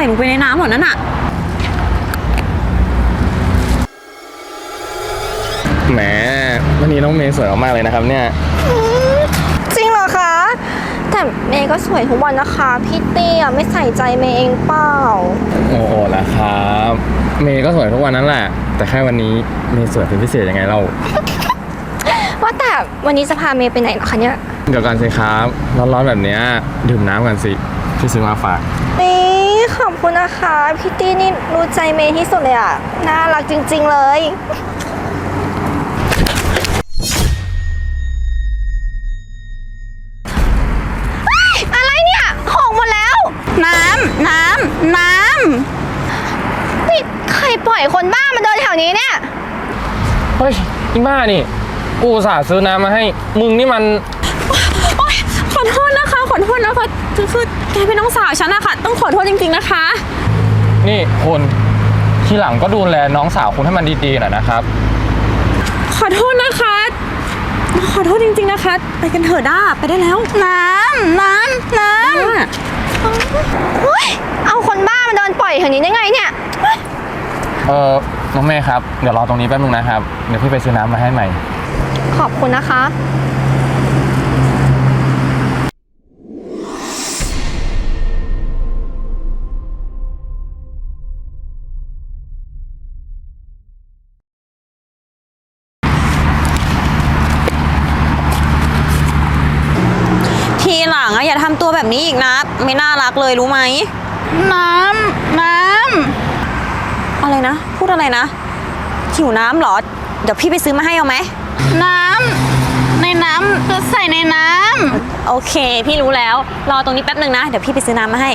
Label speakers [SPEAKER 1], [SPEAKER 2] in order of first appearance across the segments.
[SPEAKER 1] ส่ลงไปในน้ำหมดนั่นอะ
[SPEAKER 2] แหมวันนี้น้องเมย์สวยมากเลยนะครับเนี่ย
[SPEAKER 3] จริงเหรอคะแต่เมย์ก็สวยทุกวันนะคะพี่เตี้ยไม่ใส่ใจเมย์เองเปล่า
[SPEAKER 2] โอ้โหละครับเมย์ก็สวยทุกวันนั้นแหละแต่แค่วันนี้เมย์สวยเป็นพิเศษยังไงเล่า
[SPEAKER 3] ว่าแต่วันนี้จะพาเมย์ไปไหนเหรอคะเนี่ย
[SPEAKER 2] เดี๋ยวกันสิครับร้อนๆแบบนี้ดื่มน้ำกันสิพี่ซื้อมาฝาก
[SPEAKER 3] นี่ขอบคุณนะคะพี่ตี้นี่รู้ใจเมย์ที่สุดเลยอ่ะน่ารักจริงๆเลยอะไรเนี่ยของหมดแล้ว
[SPEAKER 1] น้ำ
[SPEAKER 3] นี่ใครปล่อยคนบ้ามาเดินแถวนี้เนี่ย
[SPEAKER 2] เฮ้ยอีบ้านี่กูอุตส่าห์ซื้อน้ำมาให้มึงนี่มัน
[SPEAKER 1] ขอโทษนะคะคือแกเป็นน้องสาวฉันอะค่ะต้องขอโทษจริงๆนะคะ
[SPEAKER 2] นี่คุณทีหลังก็ดูแลน้องสาวคุณให้มันดีๆหน่อยนะครับ
[SPEAKER 1] ขอโทษนะคะขอโทษจริงๆนะคะไปกันเถอะด้าไปได้แล้วน้ำ
[SPEAKER 3] เอาคนบ้ามาเดินปล่อยแถวนี้ได้ไงเนี่ย
[SPEAKER 2] น้องเมย์ครับเดี๋ยวรอตรงนี้แป๊บนึงนะครับเดี๋ยวพี่ไปซื้อน้ำมาให้ใหม่
[SPEAKER 3] ขอบคุณนะคะ
[SPEAKER 1] ทีหลังอะอย่าทำตัวแบบนี้อีกนะไม่น่ารักเลยรู้ไหมน้ำอะไรนะพูดอะไรนะหิวน้ำเหรอเดี๋ยวพี่ไปซื้อมาให้เอาไหมในน้ำจะใส่ในน้ำโอเคพี่รู้แล้วรอตรงนี้แป๊บนึงนะเดี๋ยวพี่ไปซื้อน้ำมาให้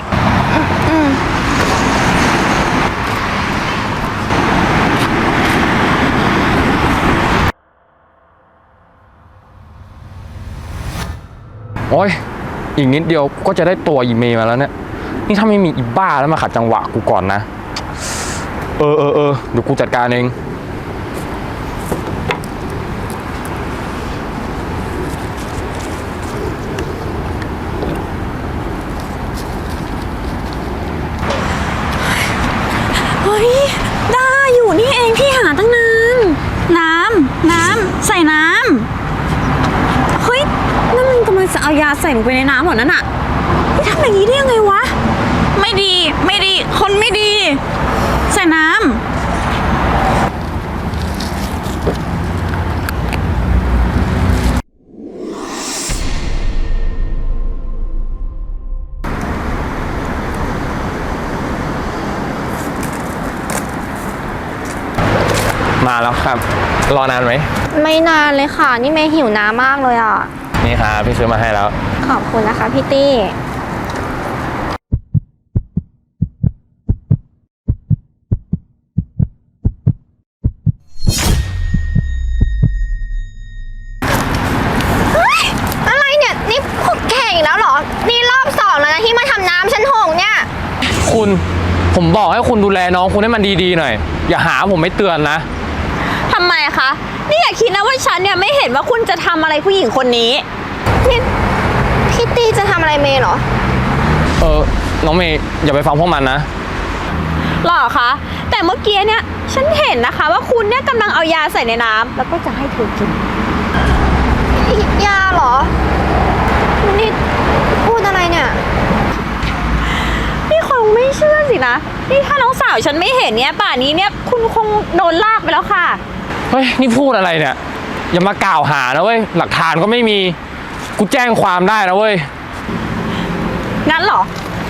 [SPEAKER 2] โอ้ยอีกนิดเดียวก็จะได้ตัวอีเมย์มาแล้วเนี่ยนี่ถ้าไม่มีอีบ้าแล้วมาขัดจังหวะกูก่อนนะเดี๋ยวกูจัดการเอง
[SPEAKER 1] เฮ้ยได้อยู่นี่เองพี่หาตั้งนานน้ำใส่น้ำเฮ้ยนั่นมันกำลังจะเอายาใส่ลงไปในน้ำหมดนั่นอะพี่ทำอย่างนี้ได้ยังไงวะไม่ดีคนไม่ดีใส่น้ำ
[SPEAKER 2] มาแล้วครับรอนานไหม
[SPEAKER 3] ไม่นานเลยค่ะนี่เมย์หิวน้ำมากเลยอ่ะ
[SPEAKER 2] นี่ครับพี่ซื้อมาให้แล้ว
[SPEAKER 3] ขอบคุณนะคะพี่ตี้อะไรเนี่ยนี่พวกแกอีกแล้วเหรอนี่รอบ2แล้วนะที่มาทำน้ำฉันหงเนี่ย
[SPEAKER 2] ผมบอกให้คุณดูแลน้องคุณให้มันดีๆหน่อยอย่าหาผมไม่เตือนนะ
[SPEAKER 1] ทำไมคะนี่อย่าคิดนะว่าฉันเนี่ยไม่เห็นว่าคุณจะทำอะไรผู้หญิงคนนี้
[SPEAKER 3] นี่พี่ตี้จะทำอะไรเมย์เหรอ
[SPEAKER 2] น้องเมย์อย่าไปฟังพวกมันนะ
[SPEAKER 1] หรอคะแต่เมื่อกี้เนี่ยฉันเห็นนะคะว่าคุณเนี่ยกำลังเอายาใส่ในน้ำแล้วก็จะให้เธอกิน
[SPEAKER 3] ยาเหรอนี่พูดอะไรเนี่ย
[SPEAKER 1] นี่คงไม่เชื่อสินะนี่ถ้าน้องสาวฉันไม่เห็นเนี่ยป่านนี้เนี่ยคุณคงโดนลากไปแล้วค่ะ
[SPEAKER 2] เฮ้ยนี่พูดอะไรเนี่ยอย่ามากล่าวหานะเว้ยหลักฐานก็ไม่มีกูแจ้งความได้นะเว้ย
[SPEAKER 1] งั้นเหรอ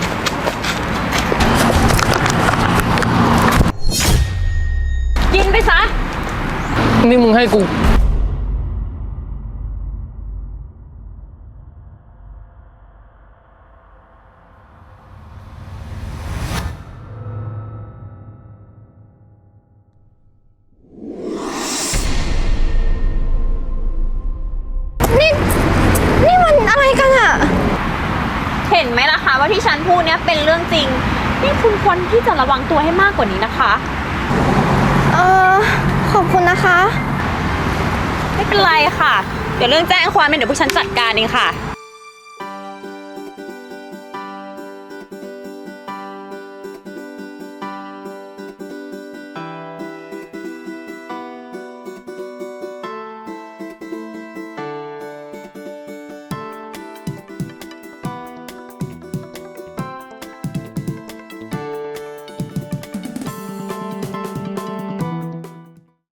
[SPEAKER 1] กินไปซะ
[SPEAKER 2] นี่มึงให้กู
[SPEAKER 3] นี่มันอะไรกันอะ
[SPEAKER 1] เห็นไหมล่ะคะว่าที่ฉันพูดเนี่ยเป็นเรื่องจริงนี่คุณควรที่จะระวังตัวให้มากกว่านี้นะคะ
[SPEAKER 3] ขอบคุณนะคะ
[SPEAKER 1] ไม่เป็นไรค่ะเดี๋ยวเรื่องแจ้งความเดี๋ยวพวกฉันจัดการเองค่ะ